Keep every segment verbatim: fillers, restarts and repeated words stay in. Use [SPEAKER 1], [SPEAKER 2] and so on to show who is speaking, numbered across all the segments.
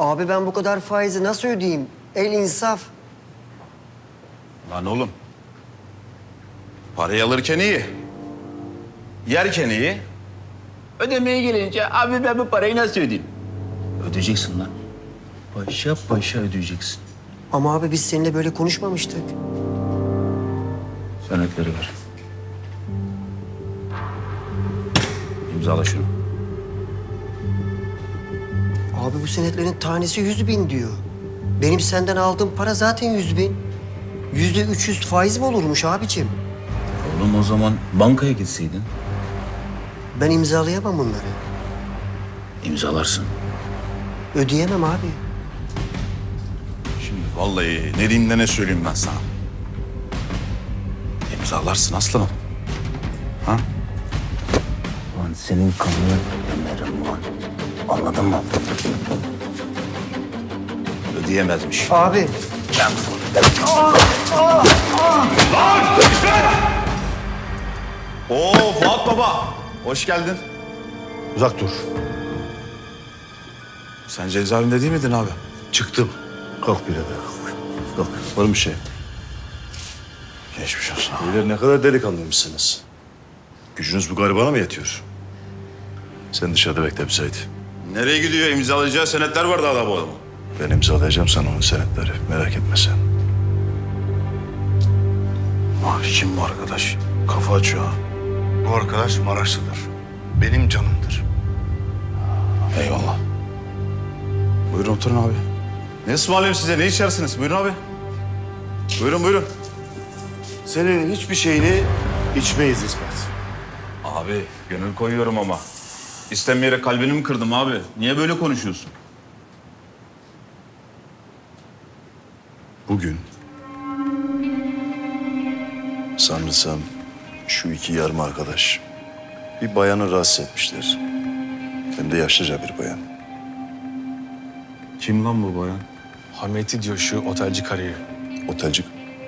[SPEAKER 1] Abi ben bu kadar faizi nasıl ödeyeyim? El insaf.
[SPEAKER 2] Lan oğlum. Parayı alırken iyi. Yerken iyi. Ödemeye gelince abi ben bu parayı nasıl ödeyeyim? Ödeyeceksin lan. Paşa paşa ödeyeceksin.
[SPEAKER 1] Ama abi biz seninle böyle konuşmamıştık.
[SPEAKER 2] Senetleri ver. İmzala şunu.
[SPEAKER 1] Abi bu senetlerin tanesi yüz bin diyor. Benim senden aldığım para zaten yüz bin. Yüzde üç yüz faiz mi olurmuş abicim?
[SPEAKER 2] Oğlum o zaman bankaya gitseydin.
[SPEAKER 1] Ben imzalayamam bunları.
[SPEAKER 2] İmzalarsın.
[SPEAKER 1] Ödeyemem abi.
[SPEAKER 2] Şimdi vallahi ne diyeyim de ne söyleyeyim ben sana. İmzalarsın aslanım. Ha? Lan senin kanını gömerim lan. Anladın mı? Ödeyemezmiş.
[SPEAKER 1] Abi.
[SPEAKER 2] Ben... Oo Fuat Baba. Hoş geldin.
[SPEAKER 3] Uzak dur.
[SPEAKER 2] Sen cezaevinde değil miydin abi?
[SPEAKER 3] Çıktım. Kalk birader kalk. Kalk. Var mı bir şey?
[SPEAKER 2] Geçmiş olsun.
[SPEAKER 3] Beyler ne kadar delikanlıymışsınız. Gücünüz bu garibana mı yetiyor? Sen dışarıda bekle bir Sait.
[SPEAKER 2] Nereye gidiyor? İmzalayacağı senetler var daha da bu adamın.
[SPEAKER 3] Ben imzalayacağım sana onun senetleri. Merak etme sen.
[SPEAKER 2] Ah, kim bu arkadaş? Kafa açıyor ha.
[SPEAKER 3] Bu arkadaş Maraşlıdır. Benim canımdır.
[SPEAKER 2] Eyvallah. Buyurun oturun abi. Ne ısmarlayayım size? Ne içersiniz? Buyurun abi. Buyurun buyurun.
[SPEAKER 3] Senin hiçbir şeyini içmeyiz İsmet.
[SPEAKER 2] Abi gönül koyuyorum ama. İstemeyerek kalbini mi kırdım abi? Niye böyle konuşuyorsun?
[SPEAKER 3] Bugün sanırsam şu iki yarım arkadaş bir bayanı rahatsız etmişler. Hem de yaşlıca bir bayan.
[SPEAKER 2] Kim lan bu bayan?
[SPEAKER 4] Hameti diyor şu otelci karıyı.
[SPEAKER 3] Otelcik.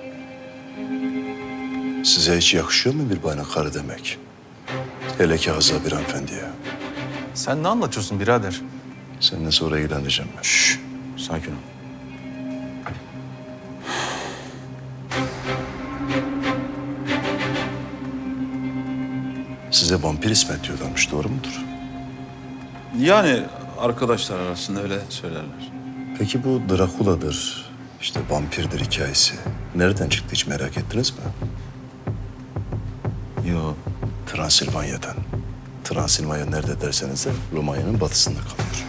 [SPEAKER 3] Size hiç yakışıyor mu bir bayana karı demek? Hele ki Hazza bir hanımefendiye.
[SPEAKER 4] Sen ne anlatıyorsun birader?
[SPEAKER 3] Seninle sonra ilgileneceğim ben.
[SPEAKER 2] Şşş, sakin ol.
[SPEAKER 3] Size vampir İsmet diyorlarmış, doğru mudur?
[SPEAKER 2] Yani arkadaşlar arasında öyle söylerler.
[SPEAKER 3] Peki bu Drakula'dır, işte vampirdir hikayesi nereden çıktı hiç merak ettiniz mi?
[SPEAKER 2] Yo.
[SPEAKER 3] Transilvanya'dan. Transilvanya nerede derseniz de Romanya'nın batısında kalıyor.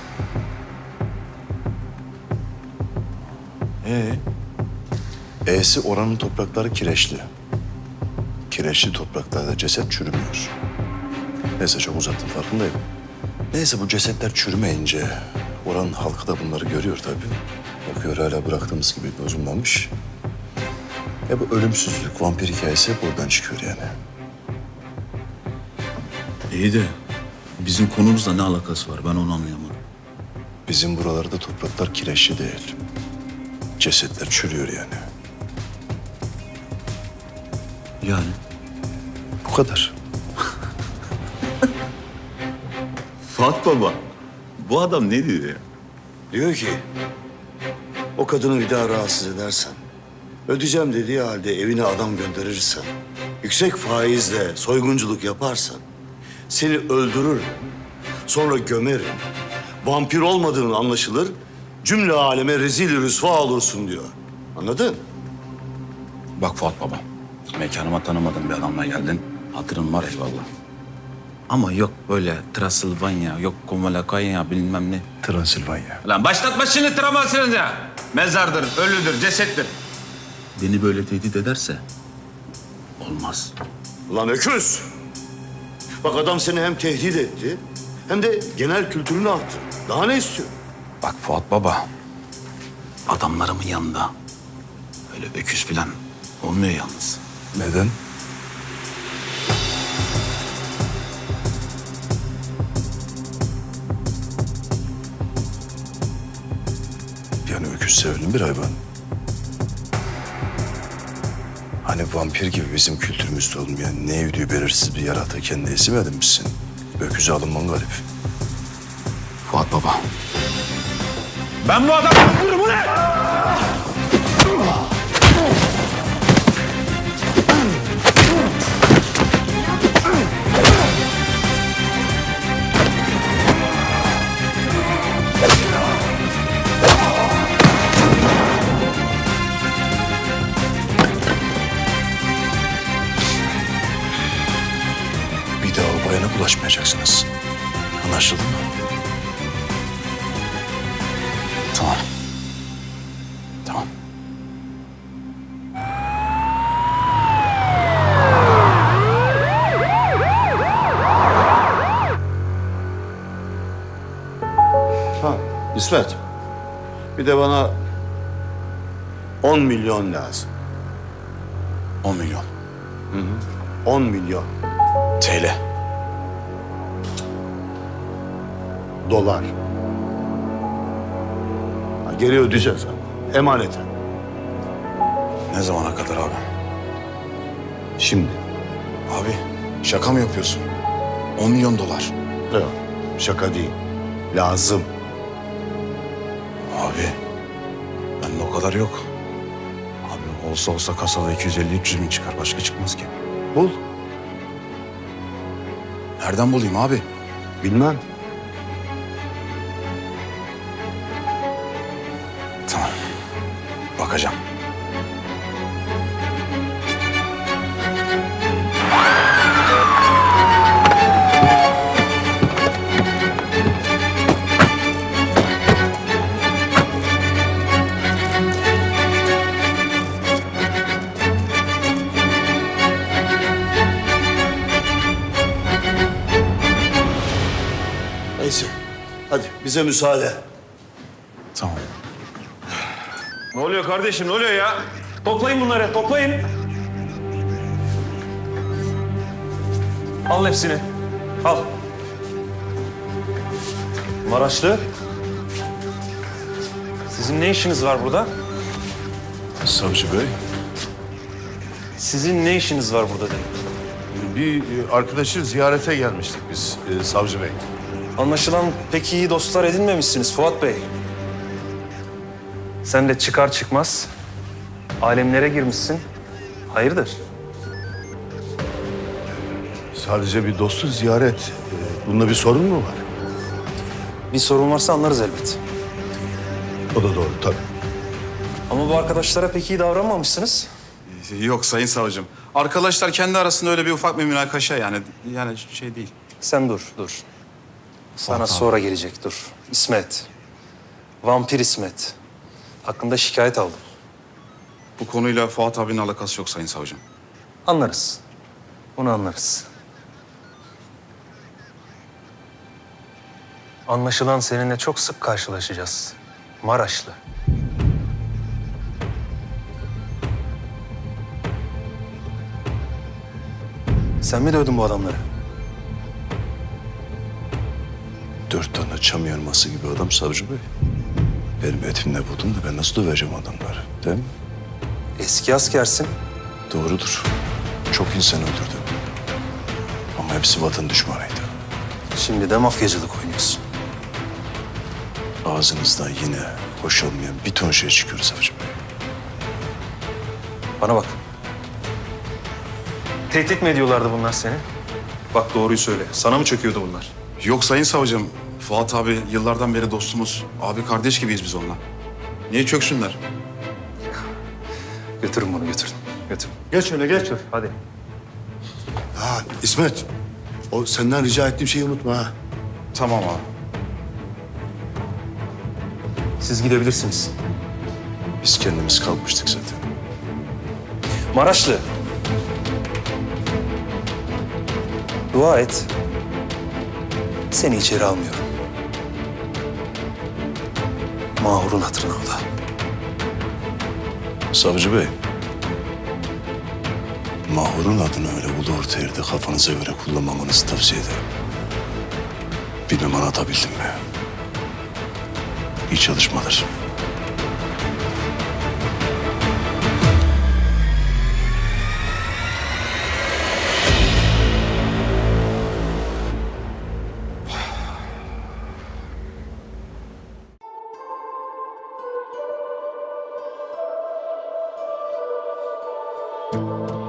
[SPEAKER 2] Ee?
[SPEAKER 3] E'si oranın toprakları kireçli. Kireçli topraklarda ceset çürümüyor. Neyse çok uzattım farkındayım. Neyse bu cesetler çürümeyince oranın halkı da bunları görüyor tabii. Bakıyor hala bıraktığımız gibi bozulmamış. E bu ölümsüzlük, vampir hikayesi hep oradan çıkıyor yani.
[SPEAKER 2] İyi de bizim konumuzla ne alakası var? Ben onu anlayamadım.
[SPEAKER 3] Bizim buralarda topraklar kireçli değil. Cesetler çürüyor yani.
[SPEAKER 2] Yani?
[SPEAKER 3] Bu kadar.
[SPEAKER 2] Fuat Baba, bu adam ne diyor ya?
[SPEAKER 5] Diyor ki, o kadını bir daha rahatsız edersen, ödeyeceğim dediği halde evine adam gönderirsen, yüksek faizle soygunculuk yaparsan, seni öldürürüm, sonra gömerim, vampir olmadığın anlaşılır, cümle aleme rezil rüsva olursun diyor. Anladın?
[SPEAKER 2] Bak Fuat Baba, mekanıma tanımadığım bir adamla geldin. Hatırın var eyvallah. Ama yok böyle Transilvanya, yok Komalakaya bilmem ne.
[SPEAKER 3] Transilvanya.
[SPEAKER 2] Lan başlatma şimdi Transilvanya. Mezardır, ölüdür, cesettir. Beni böyle tehdit ederse olmaz.
[SPEAKER 5] Lan öküz! Bak adam seni hem tehdit etti, hem de genel kültürünü arttı. Daha ne istiyor?
[SPEAKER 2] Bak Fuat Baba, adamlarımın yanında öyle öküz falan olmuyor yalnız.
[SPEAKER 3] Neden? Yani öküz sevilen bir hayvan. Hani vampir gibi bizim kültürümüzde olmayan ne evdiği belirsiz bir yaratığı kendi isim edinmişsin. Öküze alınman garip.
[SPEAKER 2] Fuat Baba, Ben bu adamı öldürürüm, bu ne?
[SPEAKER 3] Bir daha o bayana bulaşmayacaksınız. Anlaşıldı mı?
[SPEAKER 2] Tamam. Tamam.
[SPEAKER 5] Ha, İsmet. Bir de bana on milyon lazım.
[SPEAKER 3] On milyon.
[SPEAKER 5] On milyon
[SPEAKER 3] T L.
[SPEAKER 5] dolar. Ha, geri ödeyeceğiz ama. Emaneten.
[SPEAKER 3] Ne zamana kadar abi?
[SPEAKER 5] Şimdi.
[SPEAKER 3] Abi şaka mı yapıyorsun? On milyon dolar.
[SPEAKER 5] Yok, şaka değil. Lazım.
[SPEAKER 3] Abi bende o kadar yok. Abi olsa olsa kasada iki yüz elli üç yüz bin çıkar. Başka çıkmaz ki.
[SPEAKER 5] Bul.
[SPEAKER 3] Nereden bulayım abi?
[SPEAKER 5] Bilmem.
[SPEAKER 3] Tamam. Bakacağım.
[SPEAKER 5] Neyse. Hadi bize müsaade.
[SPEAKER 3] Tamam.
[SPEAKER 4] Ne oluyor kardeşim, ne oluyor ya? Toplayın bunları, toplayın. Al hepsini. Al. Maraşlı. Sizin ne işiniz var burada?
[SPEAKER 3] Savcı Bey.
[SPEAKER 4] Sizin ne işiniz var burada dedim.
[SPEAKER 6] Bir arkadaşı ziyarete gelmiştik biz e, savcı bey.
[SPEAKER 4] Anlaşılan pek iyi dostlar edinmemişsiniz Fuat Bey. Sen de çıkar çıkmaz alemlere girmişsin. Hayırdır?
[SPEAKER 6] Sadece bir dostu ziyaret. E, Bunda bir sorun mu var?
[SPEAKER 4] Bir sorun varsa anlarız elbet.
[SPEAKER 6] O da doğru tabii.
[SPEAKER 4] Ama bu arkadaşlara pek iyi davranmamışsınız.
[SPEAKER 2] Yok sayın savcım. Arkadaşlar kendi arasında öyle bir ufak bir münakaşa yani. Yani şey değil.
[SPEAKER 4] Sen dur, dur. Sana sonra gelecek, dur. İsmet. Vampir İsmet. Hakkında şikayet aldım.
[SPEAKER 2] Bu konuyla Fuat abinin alakası yok sayın savcım.
[SPEAKER 4] Anlarız. Bunu anlarız. Anlaşılan seninle çok sık karşılaşacağız. Maraşlı. Sen mi dövdün bu adamları?
[SPEAKER 3] Dört tane çam yarması gibi adam savcı bey. Benim etimle budum da ben nasıl döveceğim adamları, değil mi?
[SPEAKER 4] Eski askersin.
[SPEAKER 3] Doğrudur. Çok insan öldürdüm. Ama hepsi vatan düşmanıydı.
[SPEAKER 4] Şimdi de mafyacılık oynuyorsun.
[SPEAKER 3] Ağzınızdan yine hoş olmayan bir ton şey çıkıyor savcı bey.
[SPEAKER 4] Bana bak. Tehdit mi ediyorlardı bunlar seni? Bak doğruyu söyle. Sana mı çöküyordu bunlar?
[SPEAKER 2] Yok sayın savcım. Fuat abi yıllardan beri dostumuz. Abi kardeş gibiyiz biz onunla. Niye çöksünler?
[SPEAKER 4] Götürün bunu götürün. Götürün.
[SPEAKER 5] Geç öyle geç.
[SPEAKER 4] Götür hadi.
[SPEAKER 5] Ha İsmet. O senden rica ettiğim şeyi unutma ha.
[SPEAKER 2] Tamam abi.
[SPEAKER 4] Siz gidebilirsiniz.
[SPEAKER 3] Biz kendimiz kalkmıştık zaten.
[SPEAKER 4] Maraşlı. Dua et. Seni içeri almıyorum. Mahur'un hatırına o da.
[SPEAKER 3] Savcı bey. Mahur'un adını öyle ulu orta yerde kafanıza göre kullanmamanızı tavsiye ederim. Bilmem anlatabildim mi? İyi çalışmalar.
[SPEAKER 1] Aa,